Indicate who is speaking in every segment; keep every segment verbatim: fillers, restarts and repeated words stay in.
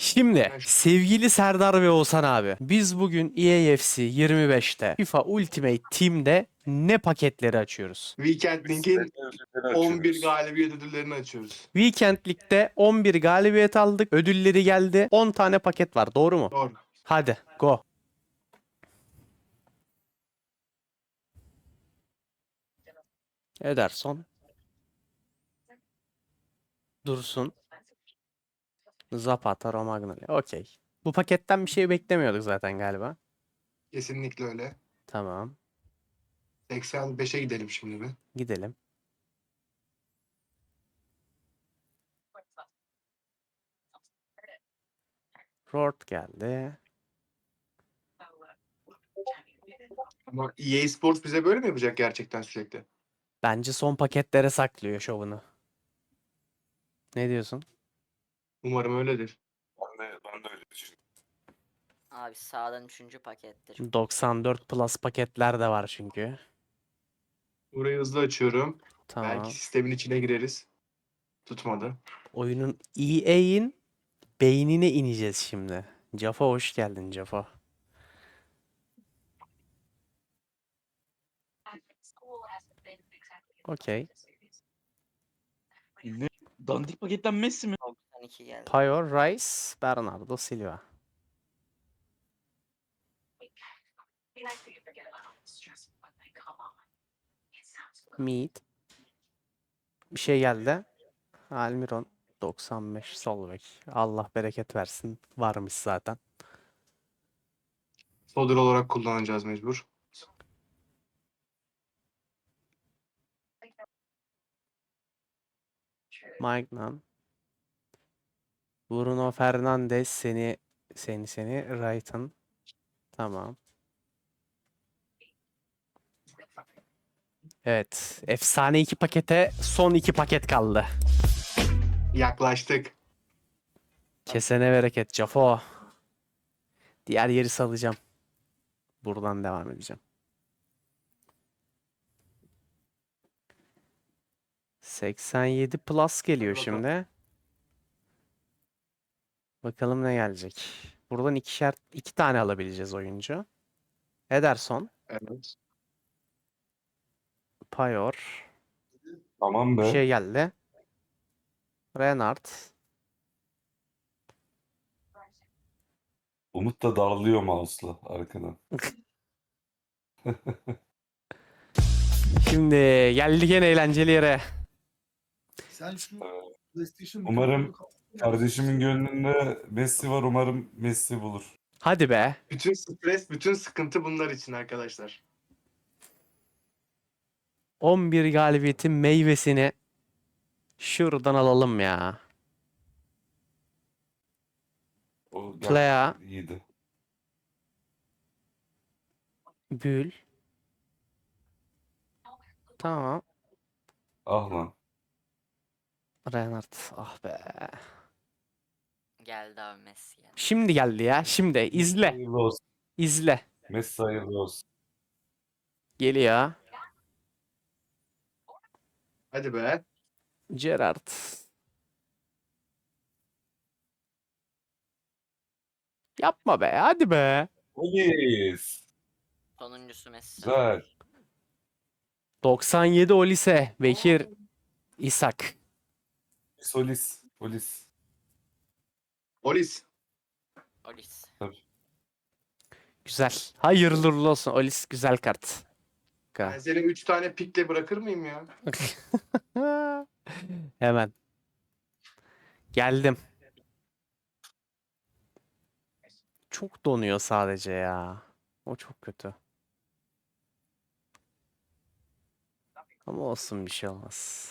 Speaker 1: Şimdi
Speaker 2: Ben şu-
Speaker 1: sevgili Serdar ve Oğuzhan abi, biz bugün E A F C yirmi beşte FIFA Ultimate Team'de ne paketleri açıyoruz?
Speaker 2: Weekend
Speaker 3: Biz
Speaker 2: Link'in
Speaker 3: de ödülleri
Speaker 2: on bir
Speaker 3: açıyoruz.
Speaker 2: galibiyet ödüllerini açıyoruz.
Speaker 1: Weekend League'de on bir galibiyet aldık. Ödülleri geldi. on tane paket var. Doğru mu?
Speaker 2: Doğru.
Speaker 1: Hadi go. Ederson. Dursun. Zapata, Romagnoli. Okey. Bu paketten bir şey beklemiyorduk zaten galiba.
Speaker 2: Kesinlikle öyle.
Speaker 1: Tamam.
Speaker 2: seksen beşe gidelim şimdi bir.
Speaker 1: Gidelim. Rort geldi.
Speaker 2: Ama E A Sports bize böyle mi yapacak gerçekten sürekli?
Speaker 1: Bence son paketlere saklıyor şovunu. Ne diyorsun?
Speaker 2: Umarım öyledir.
Speaker 3: Ben de, ben de öyle düşünüyorum.
Speaker 4: Abi sağdan üçüncü pakettir.
Speaker 1: doksan dört plus paketler de var çünkü.
Speaker 2: Burayı hızlı açıyorum.
Speaker 1: Tamam.
Speaker 2: Belki sistemin içine gireriz. Tutmadı.
Speaker 1: Oyunun E A'in beynine ineceğiz şimdi. Cafa hoş geldin Cafa. Okey.
Speaker 5: Ne? Dandik paketten Messi mi?
Speaker 4: doksan iki geldi.
Speaker 1: Payor, Rice, Bernardo Silva. Mead. Bir şey geldi. Almiron doksan beş sol bek. Allah bereket versin. Varmış zaten.
Speaker 2: Fodder olarak kullanacağız mecbur.
Speaker 1: Maignan. Bruno Fernandes seni seni seni Brighton. Tamam. Evet. Efsane iki pakete son iki paket kaldı.
Speaker 2: Yaklaştık.
Speaker 1: Kesene bereket Cafo. Diğer yeri salacağım. Buradan devam edeceğim. seksen yedi plus geliyor
Speaker 2: Hadi bakalım.
Speaker 1: şimdi. Bakalım ne gelecek. Buradan ikişer, iki tane alabileceğiz oyuncu. Ederson,
Speaker 2: Evet.
Speaker 1: Payor.
Speaker 3: Tamam
Speaker 1: Bir
Speaker 3: be.
Speaker 1: şey geldi. Renard.
Speaker 3: Umut da darlıyor mouse'la arkadan.
Speaker 1: Şimdi geldik en eğlenceli yere.
Speaker 6: Sen şu
Speaker 3: Evet.
Speaker 6: PlayStation
Speaker 3: Umarım
Speaker 6: mikrofonu kapatsana.
Speaker 3: Kardeşimin gönlünde Messi var. Umarım Messi bulur.
Speaker 1: Hadi be.
Speaker 2: Bütün stres, bütün sıkıntı bunlar için arkadaşlar.
Speaker 1: on bir galibiyetin meyvesini şuradan alalım ya.
Speaker 3: O
Speaker 1: Playa.
Speaker 3: gerçekten iyiydi.
Speaker 1: Gül. Tamam.
Speaker 3: Ah lan.
Speaker 1: Renard. Ah be.
Speaker 4: Geldi abi Messi geldi.
Speaker 1: Şimdi geldi ya. Şimdi izle.
Speaker 3: Hayırlı olsun.
Speaker 1: İzle.
Speaker 3: Messi hayırlı olsun.
Speaker 1: Geliyor.
Speaker 2: Hadi be.
Speaker 1: Gerrard. Yapma be. Hadi be.
Speaker 3: Polis.
Speaker 4: Sonuncusu Messi.
Speaker 3: Güzel.
Speaker 1: doksan yedi Olise. Bekir. İshak.
Speaker 3: Solis. Polis.
Speaker 2: Polis.
Speaker 4: Olis.
Speaker 1: Güzel. Hayırlı uğurlu olsun. Olis güzel kart.
Speaker 2: Ben seni üç tane pikle bırakır mıyım ya?
Speaker 1: Hemen. Geldim. Çok donuyor sadece ya. O çok kötü. Ama olsun bir şey olmaz.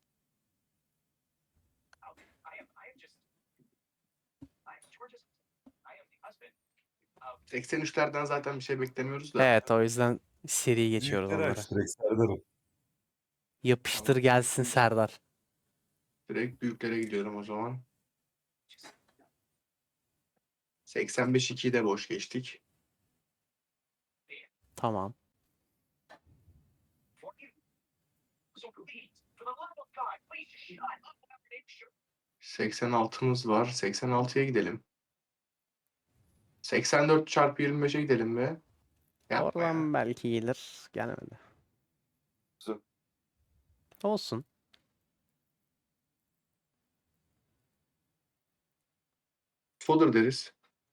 Speaker 2: seksen üçlerden zaten bir şey beklemiyoruz da.
Speaker 1: Evet o yüzden seri geçiyoruz
Speaker 3: Büyükleri
Speaker 1: onları.
Speaker 3: aç direkt Serdar'ım.
Speaker 1: Yapıştır gelsin Serdar.
Speaker 2: Direkt büyüklere gidiyorum o zaman. seksen beş ikiyi de boş geçtik.
Speaker 1: Tamam.
Speaker 2: seksen altımız var. seksen altıya gidelim. seksen dört çarpı yirmi beşe gidelim mi? Yapma ya.
Speaker 1: Oradan belki gelir. Gelmedi.
Speaker 3: Güzel.
Speaker 1: Olsun.
Speaker 2: Fodder deriz.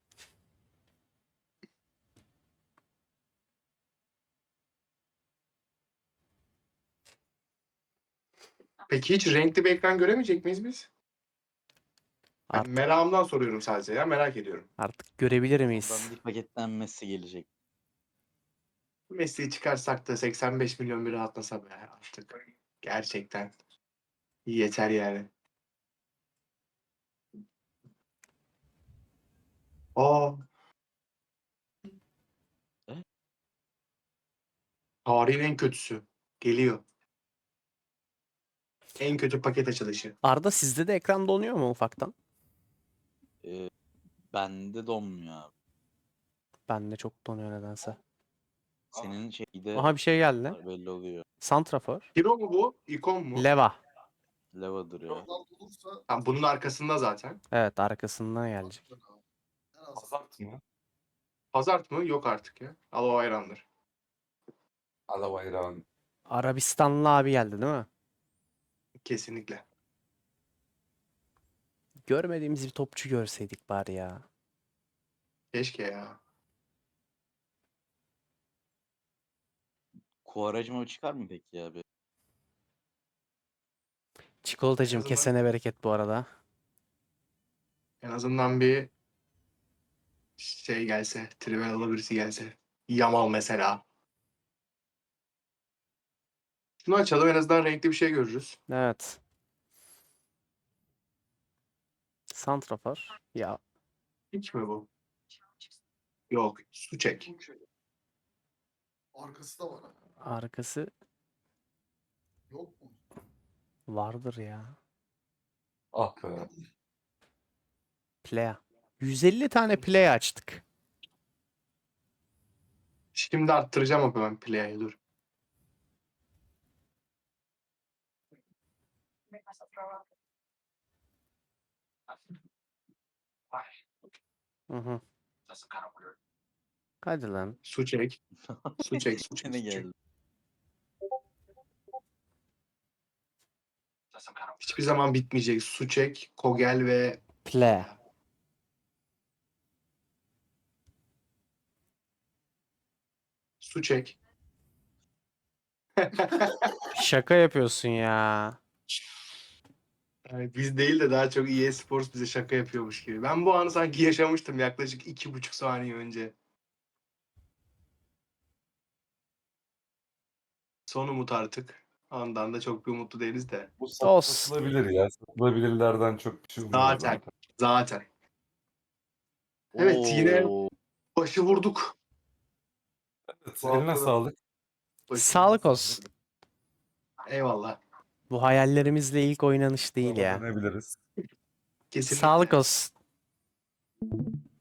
Speaker 2: Peki hiç renkli bir ekran göremeyecek miyiz biz? Ben
Speaker 1: Artık,
Speaker 2: merakımdan soruyorum sadece ya. Merak ediyorum.
Speaker 1: artık görebilir miyiz?
Speaker 5: Dandik paketten Messi gelecek.
Speaker 2: Messi'yi çıkarsak da seksen beş milyon bir rahatlasa be artık. Gerçekten. Yeter yani. Aa.
Speaker 5: Ne?
Speaker 2: Tarihin en kötüsü. Geliyor. En kötü paket açılışı.
Speaker 1: Arda sizde de ekran donuyor mu ufaktan?
Speaker 5: Ee, bende donmuyor abi.
Speaker 1: Bende çok donuyor nedense.
Speaker 5: Senin şeyde
Speaker 1: Aha bir şey geldi.
Speaker 5: belli oluyor.
Speaker 1: Santrafor.
Speaker 2: Hero mu bu? İkon mu?
Speaker 1: Leva.
Speaker 5: Leva duruyor.
Speaker 6: Yollar olursa
Speaker 2: Ha, bunun arkasında zaten.
Speaker 1: Evet arkasından gelecek.
Speaker 6: en az
Speaker 3: Hazard mı?
Speaker 2: Hazard mı? Yok artık ya. Alavayran'dır.
Speaker 3: Alabayram.
Speaker 1: Arabistanlı abi geldi değil mi?
Speaker 2: Kesinlikle.
Speaker 1: Görmediğimiz bir topçu görseydik bari ya.
Speaker 2: Keşke ya.
Speaker 5: Quaresma çıkar mı peki abi?
Speaker 1: Çikolatacım
Speaker 2: En azından-
Speaker 1: kesene bereket bu arada.
Speaker 2: En azından bir şey gelse. Trivelalı birisi gelse. Yamal mesela. Şunu açalım, en azından renkli bir şey görürüz.
Speaker 1: Evet. Santrafor. Ya
Speaker 2: Hiç mi bu? Yok. Su çek.
Speaker 6: arkası da var. ha.
Speaker 1: arkası
Speaker 6: Yok mu?
Speaker 1: vardır ya.
Speaker 3: Ah be.
Speaker 1: Playa. yüz elli tane play açtık.
Speaker 2: Şimdi arttıracağım o ben play'ı, dur.
Speaker 1: Hı hı. Hadi lan.
Speaker 2: Su çek. Su çek. Su çek.
Speaker 5: Gene
Speaker 2: Su çek.
Speaker 5: geldi.
Speaker 2: Hiçbir zaman bitmeyecek. Su çek. Kogel ve
Speaker 1: Playa.
Speaker 2: su çek.
Speaker 1: Şaka yapıyorsun ya.
Speaker 2: Yani biz değil de daha çok E A Sports bize şaka yapıyormuş gibi. Ben bu anı sanki yaşamıştım yaklaşık iki buçuk saniye önce. Son umut artık. Ondan da çok bir umutlu değiliz de.
Speaker 3: Bu
Speaker 1: Olsun.
Speaker 3: satılabilir ya. Satılabilirlerden çok bir şey olmuyor
Speaker 2: Zaten.
Speaker 3: zaten.
Speaker 2: Zaten. Evet, yine
Speaker 5: Oo,
Speaker 2: başı vurduk.
Speaker 3: Evet,
Speaker 2: Bu
Speaker 3: eline
Speaker 2: hafta da-
Speaker 3: sağlık.
Speaker 2: Başı-
Speaker 1: Sağlık olsun.
Speaker 2: Eyvallah.
Speaker 1: Bu hayallerimizle ilk oynanış değil
Speaker 3: Sonra
Speaker 1: ya.
Speaker 3: dönebiliriz.
Speaker 2: Kesinlikle.
Speaker 1: Sağlık olsun.